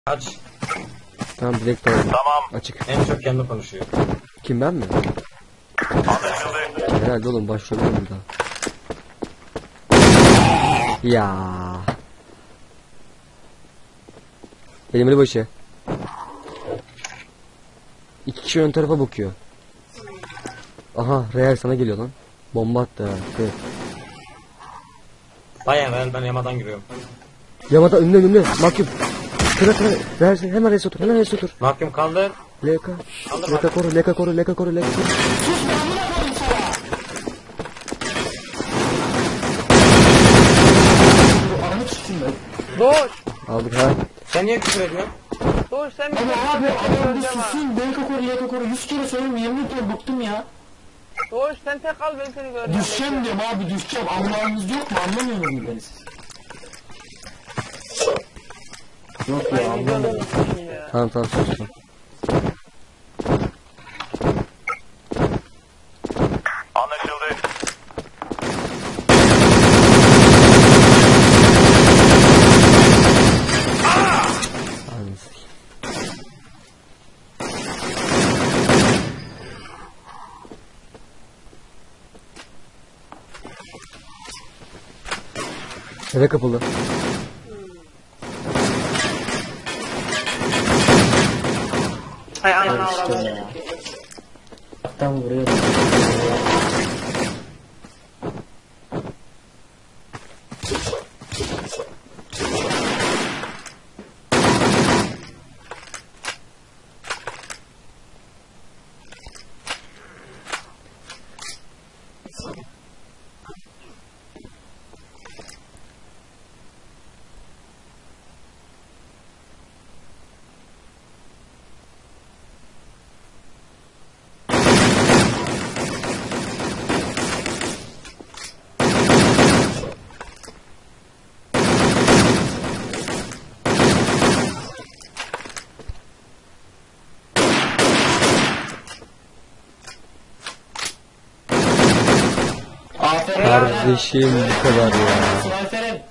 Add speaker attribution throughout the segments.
Speaker 1: Aç.
Speaker 2: Tamam direkt doğru.
Speaker 3: Tamam.
Speaker 2: Açık.
Speaker 1: En çok kendi konuşuyor.
Speaker 2: Kim, ben mi?
Speaker 3: Anlaşıldı.
Speaker 2: Herhalde oğlum başlıyorum burada. Ya. Elimli başı. 2 kişi ön tarafa bakıyor. Aha Real sana geliyor lan. Bomba attı ha. Evet.
Speaker 1: Bayağı ver, ben yamadan giriyorum.
Speaker 2: Yamada önüne. Mahkum. Kıra. Real hemen res otur. Hemen res otur.
Speaker 1: Mahkum kaldır.
Speaker 2: LK. LK koru. LK koru. LK koru. LK koru.
Speaker 4: Doğuş.
Speaker 2: Aldık ha.
Speaker 1: Sen niye küfür ediyorsun?
Speaker 4: Doğuş sen
Speaker 5: Ama abi adam bir susun. Belka koru 100 kere söylüyorum, yemin ediyorum bıktım ya.
Speaker 4: Doğuş sen tek kal, ben seni göreceğim.
Speaker 5: Düşeceğim diyorum abi, düşeceğim. Anlamanız yok mu? Anlamıyor mu beni siz? Yok ya,
Speaker 4: Ben
Speaker 5: anlamıyorum.
Speaker 4: gidiyorum ya.
Speaker 2: Tamam sustum.
Speaker 3: Anlaşıldı.
Speaker 2: Eve kapalı.
Speaker 4: Hay anana
Speaker 5: İşte
Speaker 4: avradım.
Speaker 5: ya. Tam vuruyor. Aferin.
Speaker 2: Kardeşim bu kadar ya.
Speaker 5: Aferin.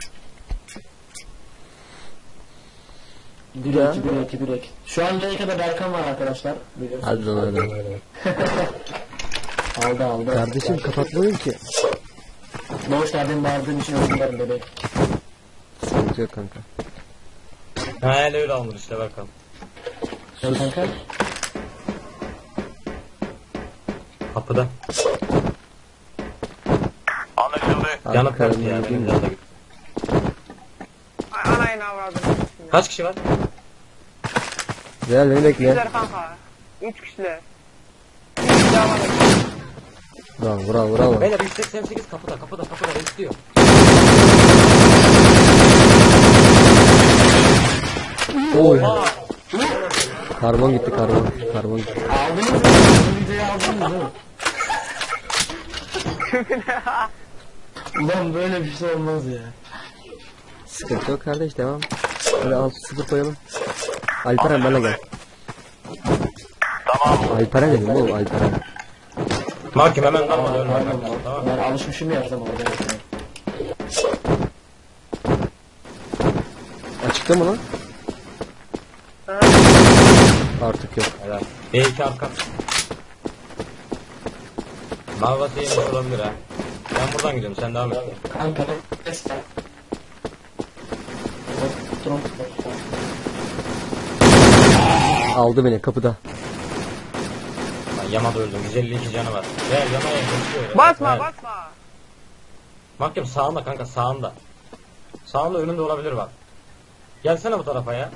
Speaker 5: 1-2. Şu an Leyka'da Berkan var arkadaşlar. Biliyorsunuz.
Speaker 2: Hadi lan hadi.
Speaker 5: Aldı.
Speaker 2: Kardeşim kapatmayın ki.
Speaker 5: Doğuş nereden bağırdığım için özür dilerim bebek.
Speaker 2: Sıkıntı yok kanka.
Speaker 1: Ha öyle olmuş işte bakalım.
Speaker 5: Sen kanka?
Speaker 1: Kapıda.
Speaker 3: Anlaşıldı.
Speaker 1: Yanıp
Speaker 2: karnım
Speaker 1: kalktı ya.
Speaker 2: yedim
Speaker 1: Benim
Speaker 2: de.
Speaker 1: yanımda git.
Speaker 4: Ay anayını avradım.
Speaker 1: Kaç kişi var?
Speaker 2: Real beni bekle.
Speaker 4: Kişiler kanka. 3 kişiler. 3 kişi daha var.
Speaker 2: Bravo.
Speaker 1: Beyler 188 kapıda istiyor.
Speaker 2: Oy.
Speaker 1: Aa,
Speaker 2: Karbon gitti.
Speaker 5: Aldınız mı? Bu videoyu aldınız mı? Ulan böyle bir şey olmaz ya.
Speaker 2: Sıkıntı yok kardeş, devam. Hadi 6-0 koyalım. Alperen bana gel.
Speaker 3: Tamam.
Speaker 2: Alperen dedim oğlum, Alperen.
Speaker 1: Mahkum hemen dalma ölme.
Speaker 5: Pardon.
Speaker 1: Tamam.
Speaker 5: Ben alışmışım ya her zaman orada.
Speaker 2: Açıkta mı lan? Artık yok.
Speaker 1: Helal. B2 arka. Mavvası yemiş olabilir ha. Ben buradan gidiyorum, sen devam et.
Speaker 5: Kanka ses ver. Drone.
Speaker 2: Aldı beni kapıda.
Speaker 1: Ben Yamada öldüm, 152 canı var. Gel Yama'ya geçiyor.
Speaker 4: Basma.
Speaker 1: Mahkum sağında kanka, sağında. Sağında önünde olabilir bak. Gelsene bu tarafa ya.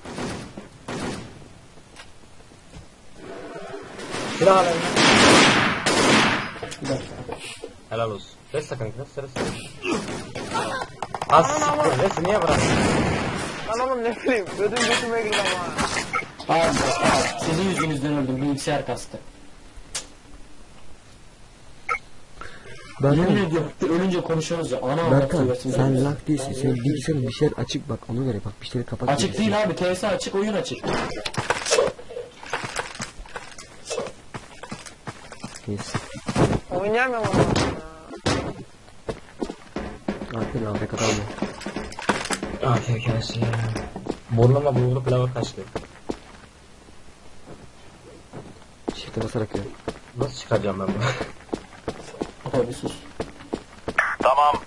Speaker 1: Silah al eline.
Speaker 5: Bir dakika.
Speaker 1: Helal olsun. Resta kanka, resta. Az siktir, resti niye bıraktın?
Speaker 4: Lan oğlum ne bileyim. Ödüm götüme girdi ama.
Speaker 5: Abi sizin yüzünüzden öldüm. Bilgisayar kastı. Yemin
Speaker 2: Berkan,
Speaker 5: ediyorum ölünce konuşuyoruz ya. Ana
Speaker 2: Berkan sen lak değilsin. Senin bilgisayarın bir şeyler açık bak, ona göre bak, bir şeyleri kapat.
Speaker 5: Açık değil abi. TS açık, oyun açık.
Speaker 2: Neyse.
Speaker 4: Oynayamıyorum onu.
Speaker 2: Artık AFK kalma.
Speaker 1: AFK'si ya. Burnuma bulgur pilavı kaçtı.
Speaker 2: Shift'e basarak ya.
Speaker 1: Nasıl çıkaracağım ben bunu?
Speaker 5: Apo bir sus.
Speaker 3: Tamam.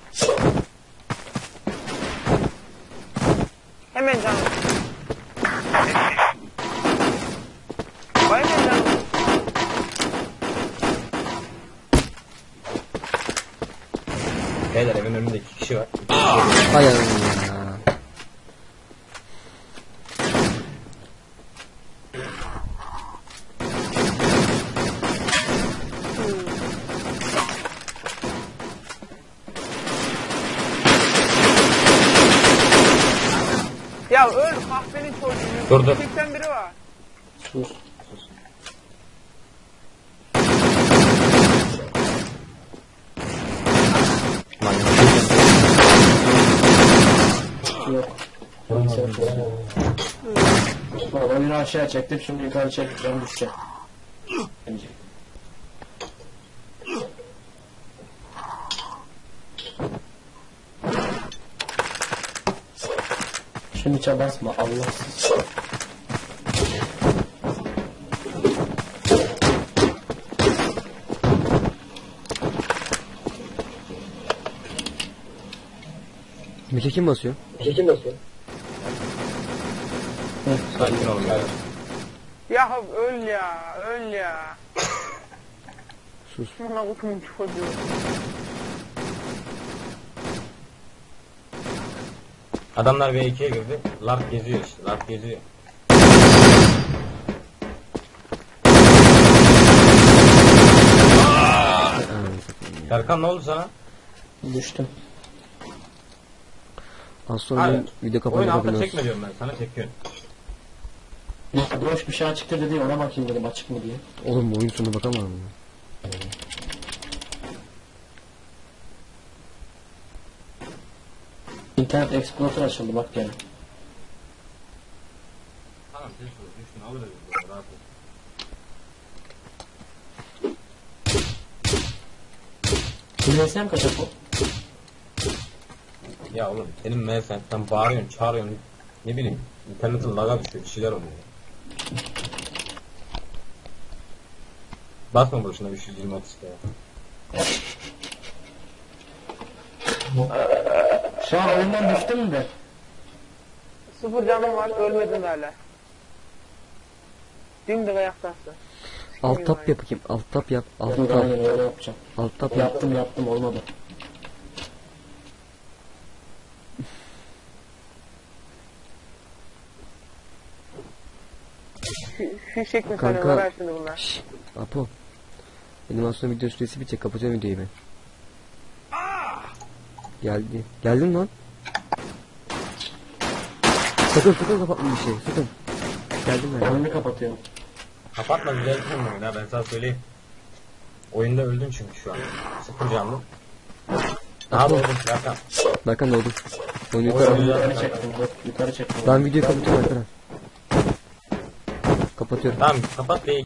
Speaker 4: Hemen canım. Vay hemen canım.
Speaker 1: Beyler evin önünde 2 kişi var.
Speaker 2: Hay Allah ya.
Speaker 4: Ya öl kahvenin çocuğu.
Speaker 1: Dur, dur.
Speaker 4: 81'i var.
Speaker 5: Sus.
Speaker 1: Lan
Speaker 5: Yok. Bilgisayar çalışıyor. Baba beni aşağı çektim şimdi yukarı çekeceğim düşeceğim. Bence. Şimdi çabuk basma Allahsız.
Speaker 2: Mike kim basıyor?
Speaker 1: sakin olun beyler.
Speaker 4: Ya öl ya. Öl ya.
Speaker 2: Sus.
Speaker 4: Buna kutumun çocuğu.
Speaker 1: Adamlar V2'ye girdi. Lark geziyor işte. Lark geziyor. Serkan ne oldu sana?
Speaker 5: Düştüm.
Speaker 2: Az sonra
Speaker 1: Hayır.
Speaker 2: benim video
Speaker 1: Oyun
Speaker 2: kapanacak
Speaker 1: altta
Speaker 2: haberiniz
Speaker 1: çekme diyorum ben sana, çekiyorum.
Speaker 5: Ya boş bir şey açıktı dedi ona bakayım dedim açık mı diye.
Speaker 2: Oğlum oyun sonu bakamam mı?
Speaker 5: İnternet Explorer açıldı bak gene.
Speaker 1: Tamam sen şunu düştün alırız. Rahat ol.
Speaker 5: Dinlesem kaçak o.
Speaker 1: Ya oğlum senin mesela sen bağırıyorsun çağırıyorsun. Ne bileyim internetin laga düşüyor bir şeyler oluyor. Basma boşuna 320 30 ya.
Speaker 5: Şu an oyundan düştüm mü de?
Speaker 4: 0 canım var. Ölmedin hala. Dimdik ayaktasın.
Speaker 2: Alt tap yap bakayım. Alt tap yap. Alt
Speaker 5: Dur
Speaker 2: tap.
Speaker 5: aynen öyle yapacağım.
Speaker 2: Alt tap yap.
Speaker 5: Yaptım olmadı.
Speaker 4: Fişek mi
Speaker 2: Kanka.
Speaker 4: sanıyorlar ha şimdi bunlar?
Speaker 2: Şşş. Apo. Animasyon video süresi bitecek. Kapatıyorum videoyu ben. Geldi. Geldin lan. Sakın kapatma bir şey. Sakın. Geldim ben.
Speaker 5: Oyunu kapatıyorum.
Speaker 1: Kapatma güzel bir ya ben sana söyleyeyim. Oyunda öldün çünkü şu an. Sıfır canlı. Daha doğru Serkan.
Speaker 2: Berkan doğdu. Oyunu
Speaker 1: Oyun-
Speaker 2: yukarı.
Speaker 5: Yukarı çektim dur. Yukarı çektim.
Speaker 2: Ben videoyu kapatıyorum Berkan. Kapatıyorum.
Speaker 1: Tamam kapat ve